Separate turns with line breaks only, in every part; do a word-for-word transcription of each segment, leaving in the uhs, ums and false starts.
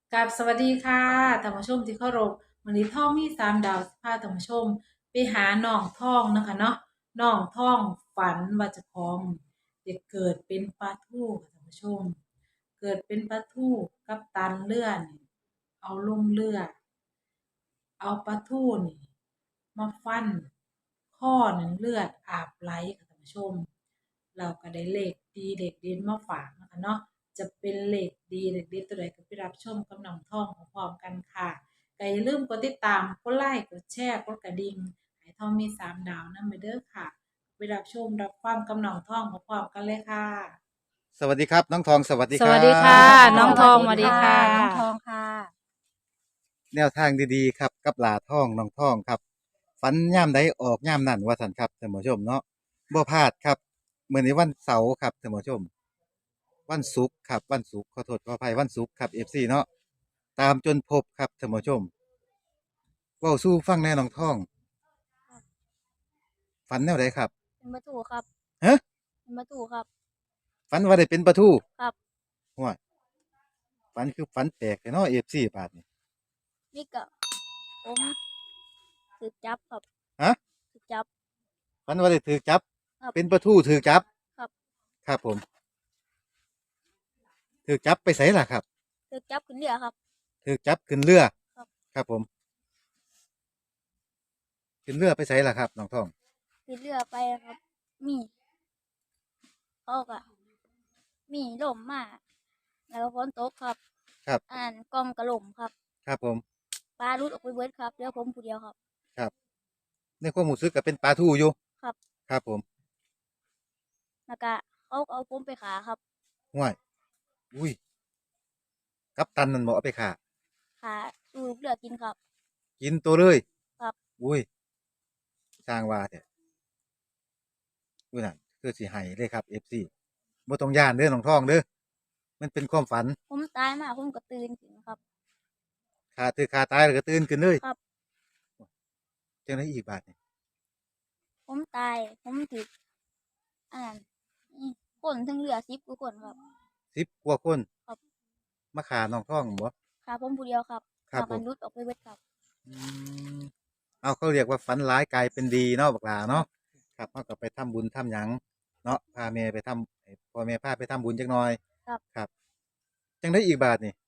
กับสวัสดีค่ะท่านผู้ชมที่เคารพวันนี้ท่องมีสามดาวสิพาท่านผู้ชมไปหาน้องท่องนะคะเนาะน้องท่องฝันว่าเจะพร้าขอมเด็กเกิดเป็นปลาทูค่ะท่านผู้ชมเกิดเป็นปลาทูกับตันเลื่อนเอาลงเรือ เอาปลาทูนี่มาฟันข้อนั้นเลือดอาบไหลค่ะท่านผู้ชมเราก็ได้เลขดีเลขเด่นมาฝากนะคะเนาะจะเป็นเลขดีเลขเด็ดตัวใดก็ไปรับชมกับน้องท่องพร้อมๆกันค่ะก็อย่าลืมกดติดตามกดไลค์กดแชร์กดกระดิ่งให้ท่องมีสามดาวนั่นไปเด้อค่ะไปรับชมรับฟังกับน้องท่องพร้อมๆกันเลยค่ะ
สวัสดีครับน้องทองสวัสดีครั
สวัสดีค่ะ
บ
น้องทองสวัสดีค่ะ
น้องทองค่ะ
แนวทางดีๆครับกับหลาทองน้องทองครับฝันย่ามใดออกย่ามนั่นว่าสันครับท่านผู้ชมเนาะบ่พลาดครับมื้อนี้วันเสาร์ครับท่านผู้ชมวันศุกร์ครับวันศุกร์ขอโทษขออภัยวันศุกร์ครับ เอฟ ซี เนาะตามจนพบครับท่านผู้ชมเว้าสู่ฟังแน่น้องทองฝันแนวใดครับ
เป็นประตูครับ
ฮะ
เป็นประตูครับ
ฝันว่าได้เป็นปลาทู
ครับ
ห้วยฝันคือฝันแปลกแต่เนาะ เอฟ ซี บาดนี้
นี่ก็ผมถือจับครับ
ฮะ
ถือจับ
ฝันว่าได้ถูกจับ
ครับ
เป็นปลาทูถูกจับ
ครับ
ครับผมถูกจับไปไสล่ะครับ
ถือจับขึ้นเรือครับ
ถูกจับขึ้นเรือ
ครับ
ครับผมขึ้นเรือไปไสล่ะครับน้องทอง
ขึ้นเรือไปครับมีเขาก็มีลมมาแล้วก็ฝนตกครับ
ครับ
อ่านกล้องกระหล่มครับ
ครับผม
ปลารุดออกไปเบิดครับเรือผมผู้เดียวครับ
ครับในความรู้สึกก็เป็นปลาทูอยู่
ครับ
ครับผม
แล้วก็เขาก็เอาผมไปขาครับ
ห้วยอุ้ยกัปตันนั่นบ่เอาไปฆ่า
ขาสู่เรือกินครับ
กินตัวเลย
ครับ
อุ้ยสร้างว่าแท้อุ้ยนั่นคือสิให้เลยครับ เอฟ ซี บ่ต้องย้านเด้อน้องทองเด้อมันเป็นความฝัน
ผมตายมาผมก็ตื่นขึ้นครับ
ขาถือขาตายแล้วก็ตื่นขึ้นเลย
ครับ
จังได๋อีกบาดนี่
ผมตายผมถืออ่านนี่คนทั้งเรือสิบกว่าคนครับ
สิบกว่าคน
ครับ
มาฆ่าน้องทองบ่
ค่ะผมผู้เดียวครับ
ครับผม
พากันรุดออกไปเบิดครับ
อืมเอาเขาเรียกว่าฝันร้ายกลายเป็นดีเนาะบักหลาเนาะครับเขาก็ไปทำบุญทำหยังเนาะพาแม่ไปทำให้พ่อแม่พาไปทำบุญจักหน่อย
ครับ
ครับจังได้อีกบาทนี่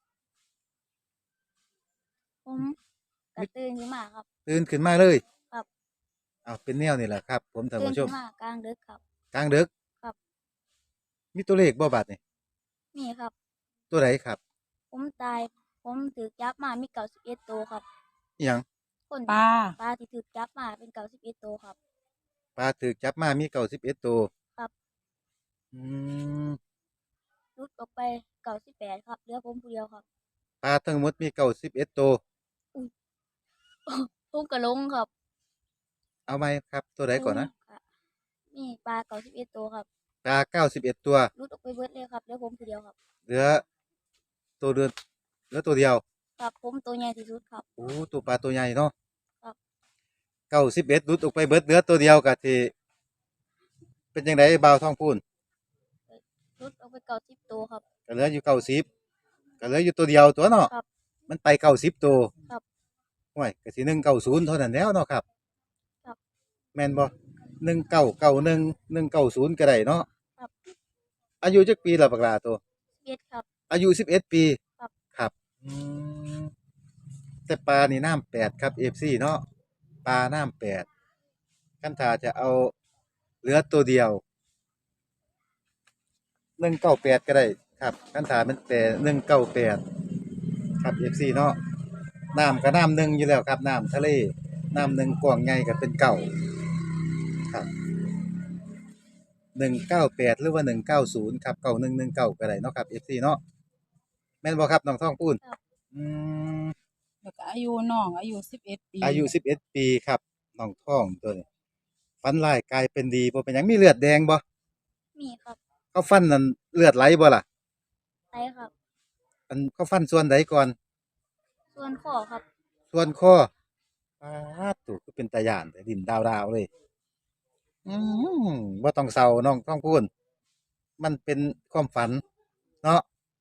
ผมก็ตื่นขึ้นมาครับ
ตื่นขึ้นมาเลย
ครับ
เอาเป็นแนวนี่แหละครับผมท่าน
ตื่น
ผู้ชม
ขึ้นมากลางดึกครับ
กลางดึก
ครับ
มีตัวเลขบ่บาทนี่
นี่ครับ
ตัวไหนครับ
ผมตายผมถือจับมามีเก้าสิบเอ็ดตัวครับ
อหยัง
คน
ปลา
ปลาที่ถือจับมาเป็นเก้าสิบเอ็ดตัวครับ
ปลาถูกจับมามีเก้าสิบเอ็ดตัว
ครับ
อืม
รุดออกไปเก้าสิบแปดครับเหลือผมผู้เดียวครับ
ปลาทั้งหมดมีเก้าสิบเอ็ดตัว
อุ้ยผมก็ลงครับ
เอาไหมครับตัวไหน
ลง
ก่อนนะ
ค่ะมีปลาเก้าสิบเอ็ดตัวครับ
ปลาเก้าสิบเอ็ดตัว
รุดออกไปเบิดเลยครับเหลือผมผู้เดียวครับ
เหลือตัวเดือนเหลือตัวเดียว
ครับผมตัวใหญ่ที่สุดครับ
โอ้ตัวปลาตัวใหญ่เนาะ
ครับ
เก้าสิบเอ็ดหลุดออกไปเบิดเหลือตัวเดียวกะที่เป็นยังไงบ่าวท้องพูน
รุดออกไปเก้าสิบตัวครับ
ก็เหลืออยู่เก้าสิบก็เหลืออยู่ตัวเดียวตัวเนาะ
ครับ
มันไปเก้าสิบตัว
ครับ
ห่วยก็สิหนึ่งเก้าศูนย์เท่านั้นแล้วเนาะครับ
ครับ
แม่นบ่หนึ่งเก้าเก้าหนึ่งหนึ่งเก้าศูนย์ก็ได้เนาะ
ครับ
อายุจักปีละบักหลาตัว
สิบเอ็ดครับ
อายุสิบเอ็ดปี
ครับ
ครับอืมแต่ปลานี่น้ำแปดครับเอฟซีเนาะปลาน้ำแปดคันถ้าจะเอาเหลือตัวเดียวหนึ่งเก้าแปดก็ได้ครับคันถ้ามันแปดหนึ่งเก้าแปดครับเอฟซีเนาะน้ำก็น้ำหนึ่งอยู่แล้วครับน้ำทะเลน้ำหนึ่งกว้างใหญ่ก็เป็นเก่าครับหนึ่งเก้าแปดหรือว่าหนึ่งเก้าศูนย์ครับเก้าหนึ่งหนึ่งเก้าก็ได้เนาะครับเอฟซีเนาะแม่นบ่ครับน้องทองปูน
ครับ
อืม
แล้วก็อายุน้องอายุสิบเอ็ดปี
อายุสิบเอ็ดปีครับน้องทองตัวนี้ฟันลายกลายเป็นดีบ่เป็นหยังมีเลือดแดงบ่
มีครับ
เขาฟันนั่นเลือดไหลบ่ล่ะ
ไตครับ
อันเขาฟันส่วนใดก่อน
ส่วนข้อครับ
ส่วนคอปาดตูคือเป็นตาย่านแต่ดินดาวๆเลยอืมบ่ต้องเศร้าน้องทองพูนมันเป็นความฝันเนาะ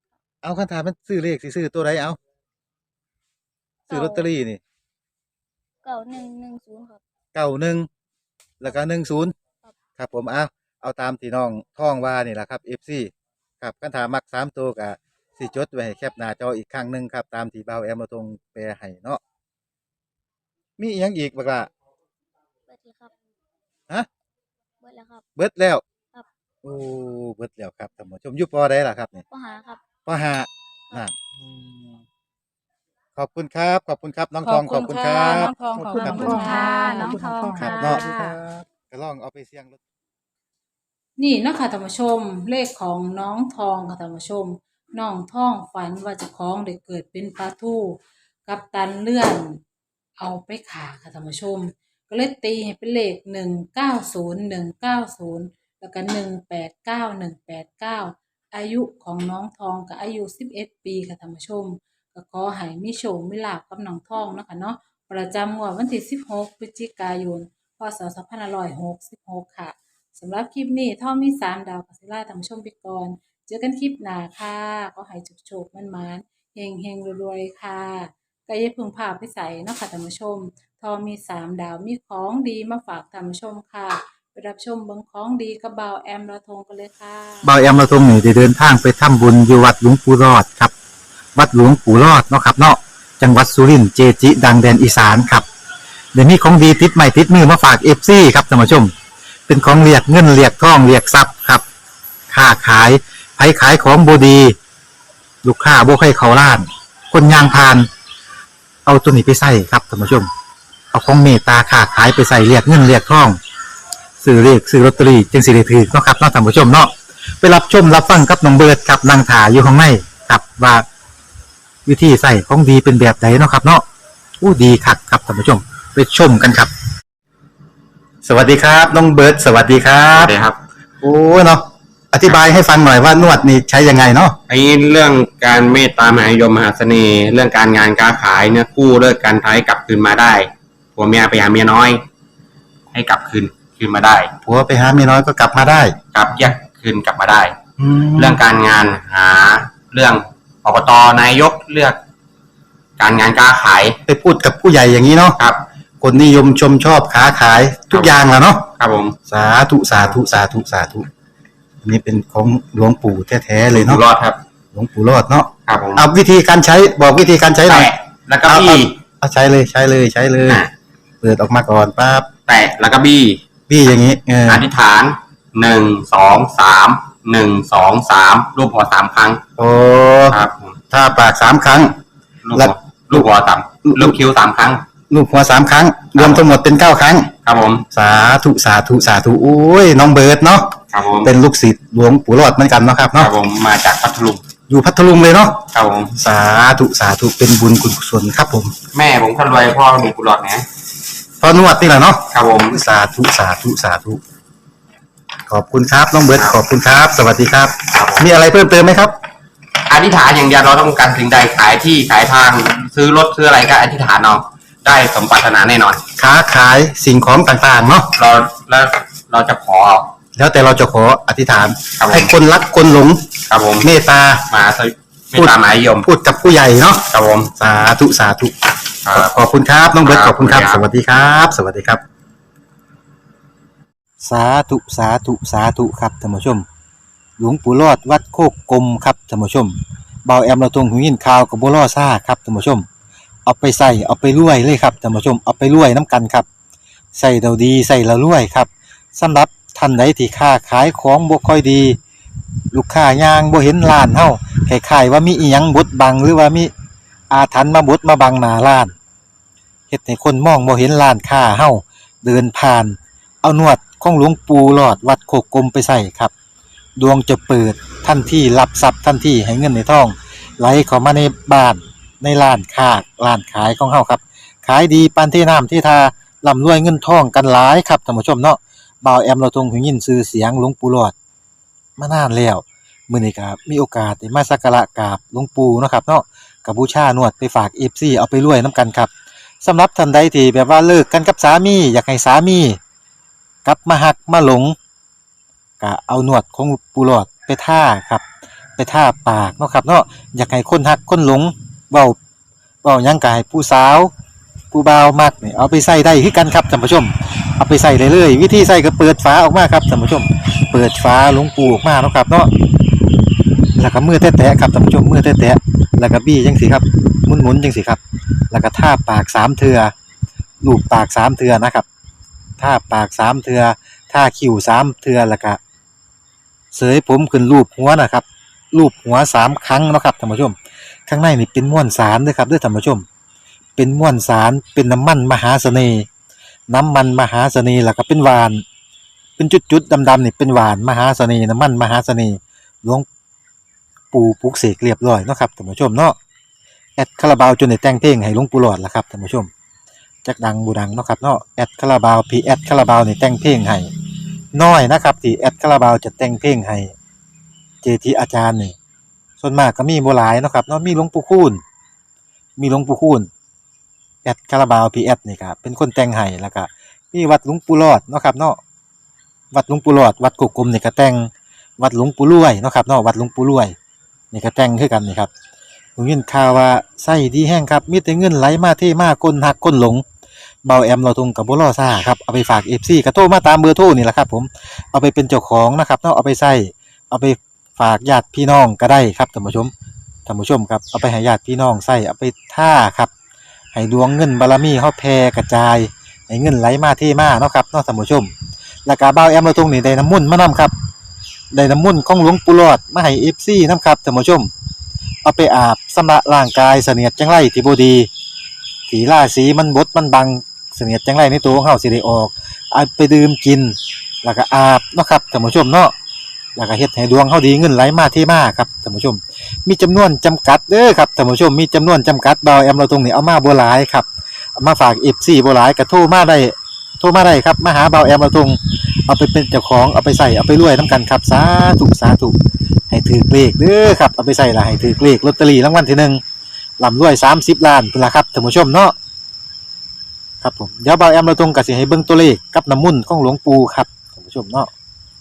เอาคันถามมันซื้อเลขสิซื้อตัวใดเอาซื้อลอตเตอรี่นี่
เก้าหนึ่งหนึ่งศูนย์ครับ
เก้าหนึ่งแล้วก็หนึ่งศูนย์
ครับ
ครับผมเอาเอาตามที่น้องท่องว่านี่แหละครับ เอฟ ซี ครับคันถามมักสามตัวก็สิจดไว้ให้แคปหน้าจออีกครั้งหนึงครับตามที่เบาแอมเราตรงแปลให้เนาะมีอีหยังอีกบักล่ะ
เบิดแล้วครับ
ฮะ
เบิดแล้วครับ
เบิดแล้ว
ครับ
โอ้เบิดแล้วครับท่านผู้ชมอยู่ปอใดล่ะครับนี่
ปหาครับ
ปอห้านั่นอืมขอบคุณครับ ขอบคุณครับน้องทองขอบคุณครั
น้
บ
องทองขอบ
ครับ
คุณ
ผม
ค่ะน้องทอง
ครั
ค่ะ
บเนาะก็ลองเอาไปเสี่ยงรถ
นี่นะคะท่านผู้ชมเลขของน้องทองค่ะท่านผู้ชมน้องทองฝันว่าเจะคล้าของได้เกิดเป็นปลาทูกับตันเลื่อนเอาไปขาค่ะท่านผู้ชม ก็เลยตีให้เป็นเลขหนึ่งเก้าศูนย์หนึ่งเก้าศูนย์แล้วก็หนึ่งแปดเก้าหนึ่งแปดเก้าอายุของน้องทองก็อายุสิบเอ็ดปีค่ะท่านผู้ชม ก็ขอให้มีโชคมีลาภกับน้องทองเนาะคะเนาะประจำงวดวันที่สิบหกพฤศจิกายนพศสองพันห้าร้อยหกสิบหกค่ะสำหรับคลิปนี้ท่อมีสามดาวกัสิล่าท่านผู้ชมไปก่อนเจอกันคลิปหน้าค่ะก็ให้โชคๆมันๆเฮงๆรวยๆค่ะก็อย่าเพึ่งพาไปใส่เนาะค่ะท่านผู้ชมทอมีสามดาวมีของดีมาฝากท่านผู้ชมค่ะไปรับชมเบิ่งของดีกับบ่าวแอมระทงกันเลยค่ะ
เบาแอมเราทรงนี่ได้เดินทางไปทำบุญอยู่วัดหลวงปู่รอดครับ วัดหลวงปู่รอดเนาะครับเนาะจังหวัดสุรินทร์เจจิ ดังแดนอีสานครับเดี๋ยวนี้ของดีติดใหม่ติดมือมาฝากเอฟซีครับท่านผู้ชม เป็นของเรียกเงินเรียกทองเรียกทรัพย์ครับค้าขายไผขายของบดี ลูกค้าบ่ให้เขาล้าน คนยางพาน เอาตัวนี้ไปใส่ครับท่านผู้ชม เอาของเมตตาค้าขายไปใส่เรียกเงินเรียกทองซื้อเลขซื้อลอตเตอรี่จึงสิได้ถือเนาะครับเนาะท่านผู้ชมเนาะไปรับชมรับฟังกับน้องเบิร์ดครับนางถาอยู่ข้างในครับว่าวิธีใส่ของดีเป็นแบบไหนเนาะครับเนาะอู้ดีคักครับท่านผู้ชมไปชมกันครับ สวัสดีครับน้องเบิร์ดสวัสดีครั
ครับ บครับ
โอ้เนาะอธิบายให้ฟังหน่อยว่านวดนี่ใช้ยังไงเนาะ
ไอ้เรื่องการเมตตามหานิยมมหาเสน่ห์ เรื่องการงานการขายเนี่ยกู้เลิกการท้ายกลับคืนมาได้ผัวเมียไปหาเมียน้อย ให้กลับคืนคืนมาได้
ผัวไปหาเมียน้อยก็กลับมาได้
กลับแยกคืนกลับมาได้
แล้
เรื่
ว
องการงานหาเรื่องอบตนายกเลือก การงานการขาย
ไปพูดกับผู้ใหญ่อย่างนี้เนาะ
ครับ
คนนิยมชมชอบค้าขายทุกอย่างแหล้วเนาะ
ครับผม
สาธุสาธุสาธุสาธุอันนี้เป็นของหลวงปู่แท้ๆเลย
อยู่
เนาะ
รอดครับ
หลวงปู่รอดเนาะ
ครับผม
เอาวิธีการใช้บอกวิธีการใช้หน่อย
แตะแล้วก็บี้
เอาใช้เลยใช้เลยใช้เลย
อ่ะ
เปิดออกมาก่อนปั๊บ
แตะแล้วก็บี้
พี่อย่างนี้เออ
อธิษฐานหนึ่งสองสามหนึ่งสองสามรูปหัวสามครั้ง
โอ้
ครับผม
ถ้าปากสามครั้ง
ลูก
แล้
หั
ว
วลูกหัวสามลูกคิ้วสามครั้ง
ลูกหัวสามครั้ง รวมทั้งหมดเป็นเก้าครั้ง
ครับผม
สาธุสาธุสาธุโอ้ยน้องเบิร์ดเนาะ
ครับผม
เป็นลูกศิษย์หลวงปู่รอดเหมือนกันเนาะครับ
ครั
เนาะ
บผมมาจากพัทลุง
อยู่พัทลุงเลยเนาะ
ครับผม
สาธุสาธุเป็นบุญกุศลครับผม
แม่ผมคนรวยพ่อมีกุหลาบนะ
พอนวดนี่แหละเนาะ
ครับผม
สาธุสาธุสาธุขอบคุณครับน้องเบิร์ดขอบคุณครับ สวัสดีครับ
ครับผม
มีอะไรเพิ่มเติมไหมครับ
อธิษฐานอย่างเดียวเราต้องการสิ่งใดขายที่ขายทาง ซื้อรถซื้ออะไรก็อธิษฐานเอาได้สมปรารถนาแน่นอน
ค้าขายสิ่งของต่างๆเนาะ
เราแล้วเราจะขอ
แล้วแต่เราจะขออธิษฐาน
ครับผม
ให้คนรักคนหลง
ครับผม
เมตตา
มาสไม่ตามหมายยม
พูดกับผู้ใหญ่เนาะ
ครับผม
สาธุสาธุ
ครับ
ขอบคุณครับน้องเบิร์ต
ค
ข
รับ
อบคุณครับ
ขอบ
ส
คุณครับ
วัสดีครับ สวัสดีครับ สาธุสาธุสาธุครับท่านผู้ชม หลวงปู่รอดวัดโคกกลมครับท่านผู้ชมเบาแอมเราตรงหูยินข่าวกับบัวล่อซ่าครับท่านผู้ชม เอาไปใส่เอาไปรวยเลยครับท่านผู้ชมเอาไปรวยน้ำกันครับใส่เราดีใส่เรารวยครับสำหรับท่านใดที่ค้าขายของบ่ค่อยดี ลูกค้ายางบ่เห็นร้านเฮาคล้ายๆว่ามีอีหยังบดบังหรือว่ามีอาถรรพ์มาบดมาบังหน้าร้านเฮ็ดให้คนมองบ่เห็นร้านค้าเฮาเดินผ่าน เอานวดของหลวงปู่หลอดวัดโคกกลมไปใส่ครับดวงจะเปิดทันทีรับทรัพย์ทันทีให้เงินในท้องไหลเข้ามาในบ้านในร้านค้าร้านขายของเฮาครับขายดีปานที่น้ำที่ทาร่ำรวยเงินทองกันหลายครับท่านผู้ชมเนาะบ่าวแอมเราทรงหูยินชื่อเสียงหลวงปู่หลอดมานานแล้วมื้อนี้ก็มีโอกาสได้มาสักการะกราบหลวงปู่เนาะครับเนาะก็บูชานวดไปฝาก เอฟ ซี เอาไปรวยนํกันครับสำหรับท่านใดที่แบบว่าเลิกกันกับสามีอยากให้สามีกลับมาหักมาหลงก็เอานวดของปู่หลอดไปท่าครับไปทาปากเนาะครับเนาะอยากให้คนฮักคนหลงเว้าเว้าหยังกายผู้สาวผู้บ่าวมักนี่เอาไปใส่ได้คือกันครับท่านผู้ชมเอาไปใส่เลยเลยวิธีใส่ก็เปิดฝาออกมาครับท่านผู้ชมเปิดฝาหลวงปูออกมาเนาะครับเนาะแล้วก็มือแตะๆครับท่านผู้ชมมือแตะๆแล้วก็บี้จังสิครับหมุนๆจังสิครับแล้วก็ทาปากสามเทื่อลูบปากสามเทื่อนะครับทาปากสามเทื่อทาคิ้วสามเทื่อแล้วก็เสยผมขึ้นรูปหัวนะครับรูปหัวสามครั้งเนาะครับท่านผู้ชมข้างในนี่เป็นม้วนสารเด้อครับเด้อท่านผู้ชมเป็นม้วนสารเป็นน้ำมันมหาเสน่ห์น้ำมันมหาเสน่ห์แล้วก็เป็นหวานเป็นจุดๆดำๆนี่เป็นหวานมหาเสน่ห์น้ำมันมหาเสน่ห์หลวงปู่ปลุกเสกเรียบร้อยเนาะครับท่านผู้ชมเนาะแอดคาราบาวจนได้แต่งเพลงให้หลวงปู่หลอดล่ะครับท่านผู้ชมจักดังบูดังเนาะครับเนาะแอดคาราบาวพีแอดคาราบาวนี่แต่งเพลงให้น้อยนะครับที่แอดคาราบาวจะแต่งเพลงให้เจทีอาจารย์นี่ส่วนมากก็มีบ่หลายเนาะครับเนาะมีหลวงปู่คูณมีหลวงปู่คูณแอดคาราบาวพีแอดนี่ครับเป็นคนแต่งให้แล้วก็มีวัดหลวงปู่หลอดเนาะครับเนาะวัดหลวงปู่หลอดวัดกุกกลมนี่ก็แต่งวัดหลวงปู่รวยเนาะครับเนาะวัดหลวงปู่รวยนี่ก็แต่งคือกันนี่ครับผมยินข่าวว่าไส้ดีแห้งครับมีแต่เงินไหลมาเทมาคนหักคนหลงเบาแอมเราทุงกับบ่รอซ่าครับเอาไปฝาก เอฟ ซี ก็โทรมาตามเบอร์โทรนี่แหละครับผมเอาไปเป็นเจ้าของนะครับเนาะเอาไปใส่เอาไปฝากญาติพี่น้องก็ได้ครับท่านผู้ชมท่านผู้ชมครับเอาไปให้ญาติพี่น้องใส่เอาไปท่าครับให้ดวงเงินบารมีเฮาแผ่กระจายให้เงินไหลมาเทมาเนาะครับเนาะท่านผู้ชมแล้วก็เบาแอมเราทุงนี่ได้น้ำมุ่นต์มานํครับได้น้ำมุ่นต์ของหลวงปู่หลอดมาให้ เอฟ ซี นํครับท่านผู้ชมเอาไปอาบชำระร่างกายเสนียดจังไรที่บ่ดีที่ราศีมันบดมันบังเสนียดจังไรในตัวของเฮาสิได้ออกเอาไปดื่มกินแล้วก็อาบเนาะครับท่านผู้ชมเนาะแล้วก็เฮ็ดให้ดวงเฮาดีเงินไหลมาเทมาครับท่านผู้ชมมีจำนวนจำกัดเด้อครับท่านผู้ชมมีจำนวนจำกัดเบาแอมเราตรงนี้เอามาบ่หลายครับเอามาฝาก เอฟ ซี บ่หลายก็โทรมาได้โทรมาได้ครับมาหาเบาแอมเราตรงเอาไปเป็นเจ้าของเอาไปใส่เอาไปรวยนํกันครับสาธุสาธุให้ถือเลขเด้อครับเอาไปใส่ละให้ถือเลขลอตเตอรี่รางวัลที่หนึ่งร่ำรวยสามสิบล้านพุ่นล่ะครับท่านผู้ชมเนาะครับผมเดี๋ยวเบาแอมเราตรงก็สิให้เบิ่งตัวเลขกับน้ำมุ่นต์ของหลวงปู่ครับท่านผู้ชมเนาะ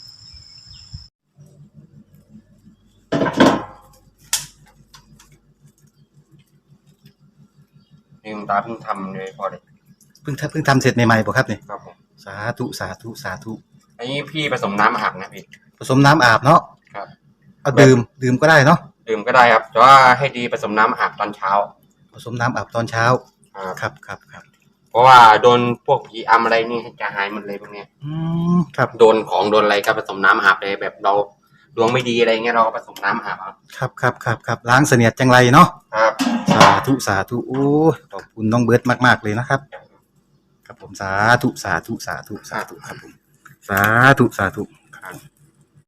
นี่คุณตาเพิ่งทำเลยพอเลย
เพิ่งทำเพิ่งทำเสร็จใหม่ๆบ่ครับนี่
ครับผม
สาธุสาธุสาธุ
อันนี้พี่ผสมน้ำอาบนะพี่
ผสมน้ำอาบเนาะ
ครับ
เอาดื่มดื่มก็ได้เนาะ
ดื่มก็ได้ครับแต่ว่าให้ดีผสมน้ำอาบตอนเช้า
ผสมน้ำอาบตอนเช้า
ครับ
ครับครับครับ
เพราะว่าโดนพวกผีอำอะไรนี่จะหายหมดเลยพวกเนี้ย
อืมครับ
โดนของโดนอะไรก็ผสมน้ำอาบเลยแบบเราดวงไม่ดีอะไรเงี้ยเราก็ผสมน้ำอาบเอา
ครับครับครับครับล้างเสนียดจังไรเนาะ
ครับ
สาธุสาธุโอ้ยขอบคุณน้องเบิร์ตมากๆเลยนะครับครับผมสาธุสาธุสาธุสาธุครับผมสาธุสาธุ
ครับ